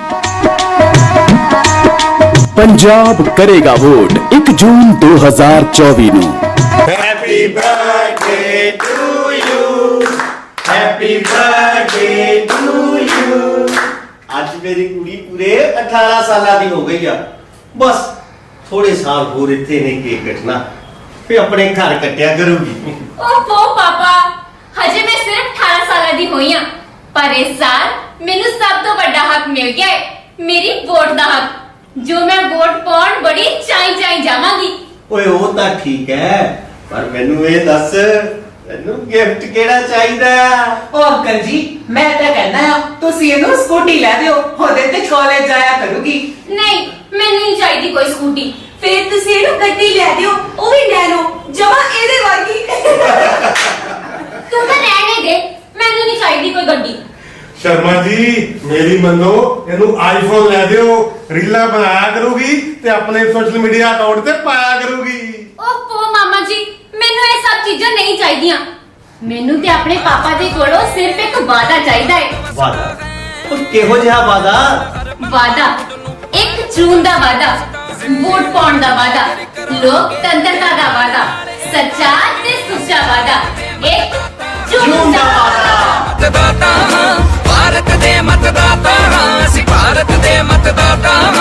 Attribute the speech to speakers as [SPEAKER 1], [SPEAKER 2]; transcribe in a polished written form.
[SPEAKER 1] पंजाब करेगा वोट 1 जून 2024 ਨੂੰ।
[SPEAKER 2] Happy birthday to you, happy birthday to you. आज मेरी कुड़ी पूरे 18 साल की हो गई है। बस थोड़े साल होर इत्थे ने केक कटना, फिर अपने घर कटिया करूगी।
[SPEAKER 3] ओहो पापा, हजे मैं सिर्फ 18 साल की हुई हां, पर इस साल मेनू सब तो बड़ा हक मिल गया है, मेरी वोट का हक, जो मैं वोट पाउण बड़ी चाई जावांगी।
[SPEAKER 2] ओए वो तो ठीक है, पर मैनू ये दस मैनू गिफ्ट केड़ा चाहिदा?
[SPEAKER 4] ओ अंकल जी, मैं तो कहना है तुसी इहनू स्कूटी लै दियो, ओदे ते कॉलेज जाया करूगी।
[SPEAKER 3] नहीं, मैनू नहीं चाहिए कोई स्कूटी। फिर तुसी इहनू गड्डी लै दियो, ओ भी नैनो, जमा एदे वर्गी। तू तो रहने दे, मैनू नहीं चाहिए कोई गड्डी।
[SPEAKER 5] शर्मा जी मेरी मनो, इनू आईफोन लै दियो, रीला बनाया करूगी ते अपने सोशल मीडिया अकाउंट ते पाया करूगी।
[SPEAKER 3] ओहो मामा जी, मैनू ये सब चीज़ां नहीं चाहिए। मैनू ते अपने पापा दे कोलों सिर्फ एक वादा चाहिए है।
[SPEAKER 2] वादा? और किहो जिहा वादा?
[SPEAKER 3] वादा 1 जून दा वादा, वोट पाउण दा वादा, लोकतंत्रता दा वादा, सच्चा ते सुच्चा वादा, 1 जून दा वादा।
[SPEAKER 6] मतदाता हाँ, भारत दे मतदाता हाँ, ਅਸੀਂ ਭਾਰਤ ਦੇ मतदाता